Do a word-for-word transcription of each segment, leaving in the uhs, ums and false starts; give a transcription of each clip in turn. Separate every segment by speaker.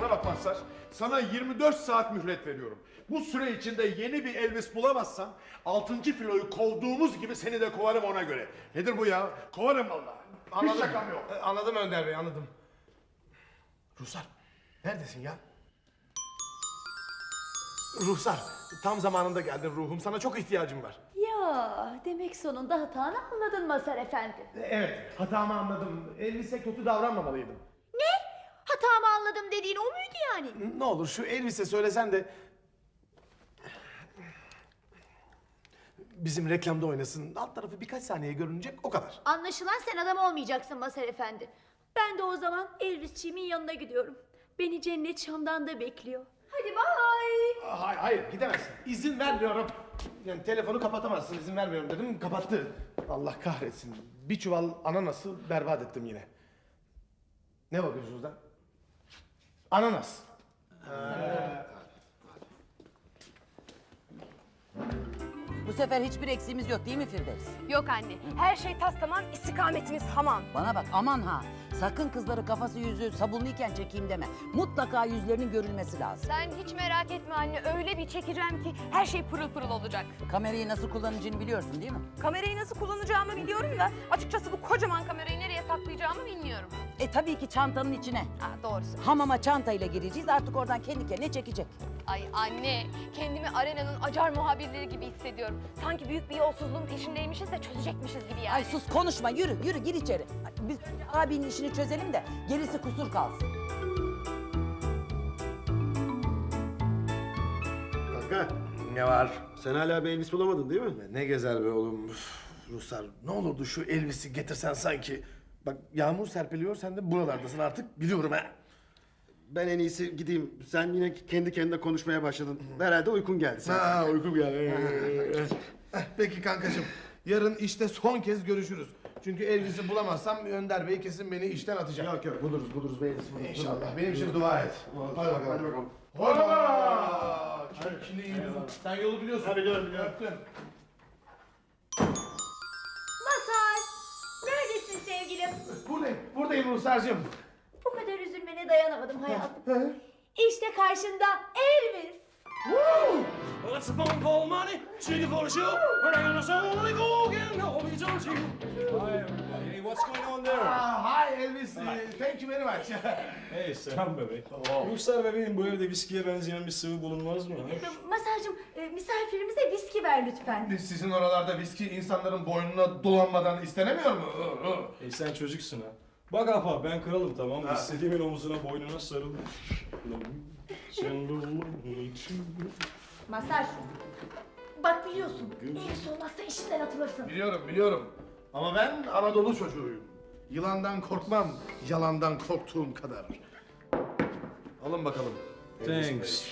Speaker 1: Bana bak Mazhar, sana yirmi dört saat mühlet veriyorum. Bu süre içinde yeni bir Elvis bulamazsan altıncı filoyu kovduğumuz gibi seni de kovarım ona göre. Nedir bu ya? Kovarım vallahi.
Speaker 2: Anladım.
Speaker 1: Hiç şakam yok.
Speaker 2: E, Anladım Önder Bey, anladım. Ruhsar, neredesin ya? Ruhsar, tam zamanında geldin ruhum. Sana çok ihtiyacım var.
Speaker 3: Ya demek sonunda hatanı anladın Mazhar Efendi.
Speaker 2: E, Evet, hatamı anladım. Elvis'e kötü davranmamalıydım.
Speaker 3: Ne? Hatamı anladım dediğin o muydu yani?
Speaker 2: Ne olur şu Elvis'e söylesen de... bizim reklamda oynasın. Alt tarafı birkaç saniye görünecek, o kadar.
Speaker 3: Anlaşılan sen adam olmayacaksın Mazhar Efendi. Ben de o zaman Elvisçiğimin yanına gidiyorum. Beni cennet Şam'dan da bekliyor. Hadi bay.
Speaker 2: Hayır, hayır gidemezsin. İzin vermiyorum. Yani telefonu kapatamazsın, izin vermiyorum dedim, kapattı. Allah kahretsin. Bir çuval ananası berbat ettim yine. Ne bakıyorsunuz lan? Ananas.
Speaker 4: Bu sefer hiçbir eksiğimiz yok değil mi Firdevs?
Speaker 5: Yok anne, her şey tas tamam, istikametimiz hamam.
Speaker 4: Bana bak aman ha. Sakın kızları kafası yüzü sabunluyken çekeyim deme. Mutlaka yüzlerinin görülmesi lazım.
Speaker 5: Sen hiç merak etme anne, öyle bir çekeceğim ki her şey pırıl pırıl olacak.
Speaker 4: Kamerayı nasıl kullanacağını biliyorsun değil mi?
Speaker 5: Kamerayı nasıl kullanacağımı biliyorum da açıkçası bu kocaman kamerayı nereye saklayacağımı bilmiyorum.
Speaker 4: E tabii ki çantanın içine.
Speaker 5: Ha, doğrusu.
Speaker 4: Hamama çantayla gireceğiz, artık oradan kendi kendine çekecek.
Speaker 5: Ay anne, kendimi arenanın acar muhabirleri gibi hissediyorum. Sanki büyük bir yolsuzluğun peşindeymişiz de çözecekmişiz gibi yani.
Speaker 4: Ay sus konuşma, yürü yürü gir içeri. Biz abinin işini çözelim de gerisi kusur kalsın.
Speaker 6: Kanka,
Speaker 2: Ne var?
Speaker 6: sen hala bir Elvis bulamadın değil mi?
Speaker 2: Ne gezer be oğlum. Üf, Ruslar, ne olurdu şu Elvis'i getirsen sanki. Bak yağmur serpiliyor, sen de buralardasın artık, biliyorum ha.
Speaker 6: Ben en iyisi gideyim. Sen yine kendi kendine konuşmaya başladın. Herhalde uykun geldi sen.
Speaker 2: Ha, uykum geldi. Eh, Peki kankacığım, yarın işte son kez görüşürüz. Çünkü Elvis'i bulamazsam Önder Bey kesin beni işten atacak.
Speaker 6: Yok yok, buluruz buluruz bir Elvis buluruz.
Speaker 2: İnşallah, benim için dua et. Hadi bakalım.
Speaker 6: Hadi bakalım.
Speaker 2: Hola! Şimdi iyi yürü. Sen yolu biliyorsun.
Speaker 6: Hadi biliyorum, biliyorum.
Speaker 2: Öptüm.
Speaker 3: Mazhar, neredesin sevgilim?
Speaker 2: Buradayım, buradayım Ruhsar'cığım.
Speaker 3: Bu kadar üzülmene dayanamadım hayatım. İşte karşında Elvis.
Speaker 7: Well, it's a phone call money, singing for the show. But I'm gonna only go again, no, we don't you.
Speaker 8: Hi everybody. Hey, what's going on there?
Speaker 2: Ah, hi Elvis. Thank you very much.
Speaker 8: Hey selam bebek. Ruhsar bebeğim, bu evde viskiye benzeyen bir sıvı bulunmaz mı?
Speaker 3: Mazhar'cığım e, misafirimize viski ver lütfen.
Speaker 2: Sizin oralarda viski insanların boynuna dolanmadan istenemiyor mu?
Speaker 8: Hey sen çocuksun ha. Bak apa ben kralım tamam mı? İstediğimin omuzuna boynuna sarıl.
Speaker 3: Mazhar, bak biliyorsun Elvis olmazsa işinden atılırsın.
Speaker 2: Biliyorum, biliyorum. Ama ben Anadolu çocuğuyum. Yılandan korkmam, yalandan korktuğum kadar. Alın bakalım. Elvis Bey.
Speaker 8: Thanks.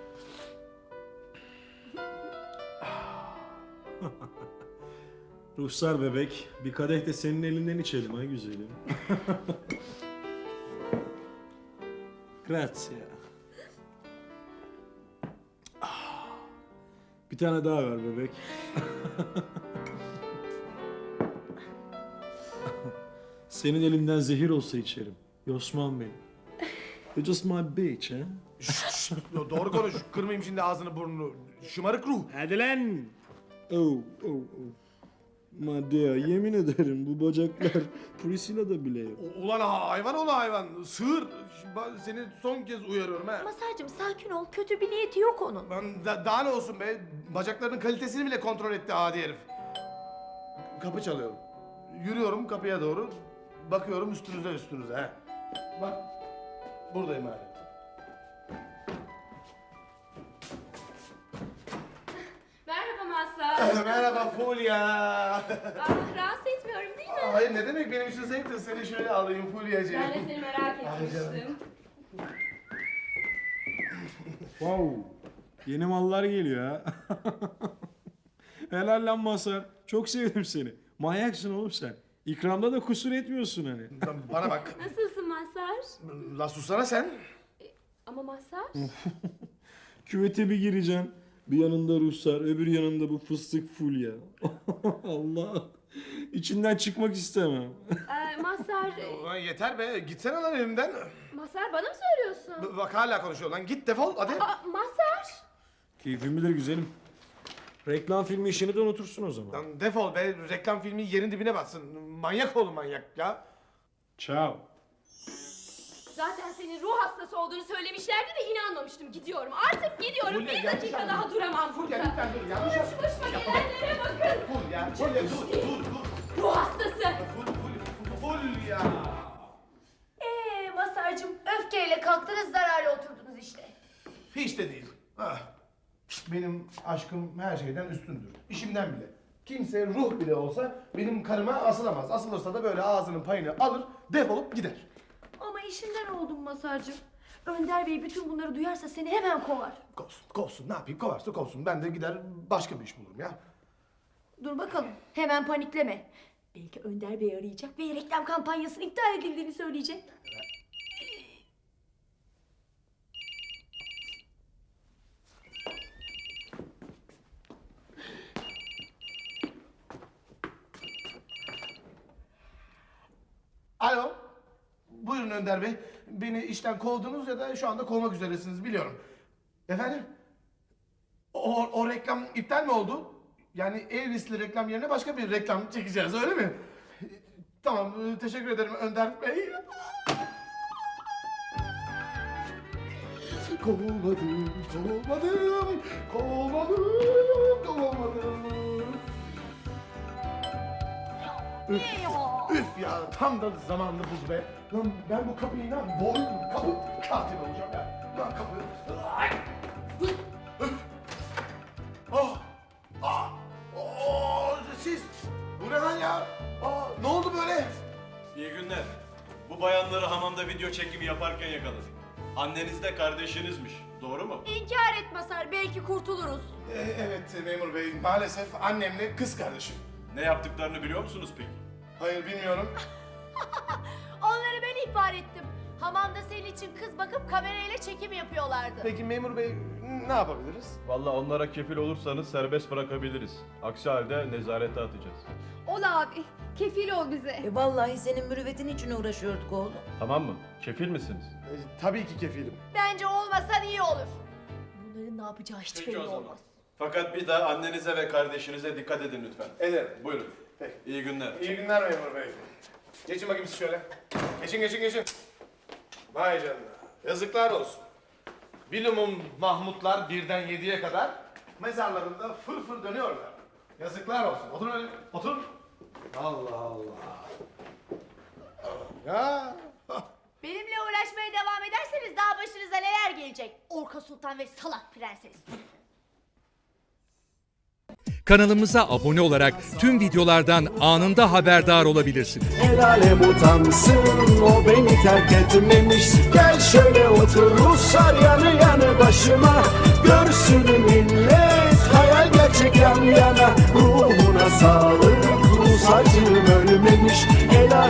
Speaker 8: Ruhsar bebek, bir kadeh de senin elinden içelim ha güzelim. Grazie. Ah, bir tane daha ver bebek. Senin elinden zehir olsa içerim. Yosman benim. You're just my bitch, ha?
Speaker 2: Yo, doğru konuş, kırmayayım şimdi ağzını burnunu. Şımarık ruh.
Speaker 8: Hadi lan! Oh, oh, oh. Madea, yemin ederim bu bacaklar Priscilla'da bile yok.
Speaker 2: U- Ulan ha- hayvan ola hayvan, sığır. Ben seni son kez uyarıyorum ha.
Speaker 3: Mazhar'cığım sakin ol, kötü bir niyeti yok onun.
Speaker 2: Ben da- daha ne olsun be, bacaklarının kalitesini bile kontrol etti adi herif. Kapı çalıyor. Yürüyorum kapıya doğru, bakıyorum üstünüze üstünüze ha. Bak, buradayım hala.
Speaker 5: Merhaba Mazhar.
Speaker 2: Merhaba Fulya.
Speaker 5: Ah, rahatsız etmiyorum değil mi?
Speaker 2: Hayır ne demek, benim için zevktir. Seni şöyle alayım Fulya'cığım.
Speaker 5: Ben de seni merak etmiştim.
Speaker 8: Wow, yeni mallar geliyor ha. Helal lan Mazhar, çok sevdim seni. Manyaksın oğlum sen. İkramda da kusur etmiyorsun hani.
Speaker 2: Bana bak.
Speaker 5: Nasılsın Mazhar?
Speaker 2: La susana sen.
Speaker 5: Ama Mazhar?
Speaker 8: Küvete bir gireceksin. Bir yanında Ruhsar, öbür yanında bu fıstık Fulya. Allah. İçinden çıkmak istemem.
Speaker 5: Ee, Mazhar,
Speaker 2: Ulan yeter be, gitsene lan elimden.
Speaker 5: Mazhar bana mı söylüyorsun?
Speaker 2: B- Bak hala konuşuyor lan, git defol hadi.
Speaker 5: Aa, Mazhar.
Speaker 8: Keyfim bilir güzelim. Reklam filmi işini de unutursun o zaman.
Speaker 2: Lan defol be, reklam filmi yerin dibine batsın. Manyak oğlum manyak ya.
Speaker 8: Ciao.
Speaker 5: Zaten senin ruh hastası olduğunu söylemişlerdi de inanmamıştım. Gidiyorum. Artık gidiyorum.
Speaker 2: Fulya,
Speaker 5: bir
Speaker 2: yanlış
Speaker 5: dakika
Speaker 2: anladın.
Speaker 5: daha duramam
Speaker 2: Fulya
Speaker 5: burada.
Speaker 2: lütfen dur, yanlış
Speaker 5: Şu başıma gelenlere bakın.
Speaker 2: Ful ya, Fulya dur, dur, dur.
Speaker 5: Ruh hastası.
Speaker 2: Ful, ful, ful ya.
Speaker 3: Ee Masarcığım öfkeyle kalktınız zararla oturdunuz işte.
Speaker 2: Hiç de değil. Ah. Benim aşkım her şeyden üstündür. İşimden bile. Kimse ruh bile olsa benim karıma asılamaz. Asılırsa da böyle ağzının payını alır, defolup gider.
Speaker 3: Ama işinden oldum Masarcığım. Önder Bey bütün bunları duyarsa seni hemen kovar.
Speaker 2: Kovsun, kovsun. Ne yapayım? Kovarsa kovsun. Ben de gider başka bir iş bulurum ya.
Speaker 3: Dur bakalım hemen panikleme. Belki Önder Bey arayacak ve reklam kampanyasının iptal edildiğini söyleyecek.
Speaker 2: Alo. Buyurun Önder Bey. Beni işten kovdunuz ya da şu anda kovmak üzeresiniz biliyorum. Efendim? O, o reklam iptal mi oldu? Yani Elvis'li reklam yerine başka bir reklam çekeceğiz öyle mi? Tamam teşekkür ederim Önder Bey. Kovulmadım, kovulmadım, kovulmadım, kovulmadım. Üf, üf ya tam da zamanlı buz be. Lan ben bu kapıyı lan boğuyorum, kapı katil olacağım ya. Lan kapı. Ay! Üf, üf. Oh, ah, oh, siz, bu ne lan ya? Aa, ne oldu böyle?
Speaker 9: İyi günler. Bu bayanları hamamda video çekimi yaparken yakaladık. Anneniz de kardeşinizmiş. Doğru mu?
Speaker 3: İnkar et Masar belki kurtuluruz.
Speaker 2: Ee, evet memur bey, maalesef annemle kız kardeşim.
Speaker 9: Ne yaptıklarını biliyor musunuz peki?
Speaker 2: Hayır bilmiyorum.
Speaker 3: Onları ben ihbar ettim. Hamamda senin için kız bakıp kamerayla çekim yapıyorlardı.
Speaker 2: Peki memur bey ne yapabiliriz?
Speaker 9: Vallahi onlara kefil olursanız serbest bırakabiliriz. Aksi halde nezarete atacağız.
Speaker 5: Ol abi. Kefil ol bize.
Speaker 4: E vallahi senin mürüvvetin için uğraşıyorduk oğlum.
Speaker 9: Tamam mı? Kefil misiniz?
Speaker 2: Ee, tabii ki kefilim.
Speaker 3: Bence olmasan iyi olur. Bunların ne yapacağı hiç
Speaker 9: Peki
Speaker 3: belli
Speaker 9: o zaman.
Speaker 3: olmaz.
Speaker 9: Fakat bir daha annenize ve kardeşinize dikkat edin lütfen.
Speaker 2: Ederim.
Speaker 9: Buyurun.
Speaker 2: Peki.
Speaker 9: İyi günler.
Speaker 2: İyi günler memur bey. Geçin bakayım siz şöyle. Geçin geçin geçin. Vay canına. Yazıklar olsun. Bilumum Mahmutlar birden yediye kadar mezarlarında fır fır dönüyorlar. Yazıklar olsun. Oturun öyle. Oturun. Allah Allah. Ya.
Speaker 3: Benimle uğraşmaya devam ederseniz daha başınıza neler gelecek? Orka Sultan ve salak prenses.
Speaker 10: Kanalımıza abone olarak tüm videolardan anında haberdar olabilirsiniz.
Speaker 11: El alem utansın, o beni terk etmemiş. Gel şöyle otur Ruslar yanı yanı başıma. Görsün millet hayal gerçek yan yana. Ruhuna sağlık, Rus acım ölmemiş. El alem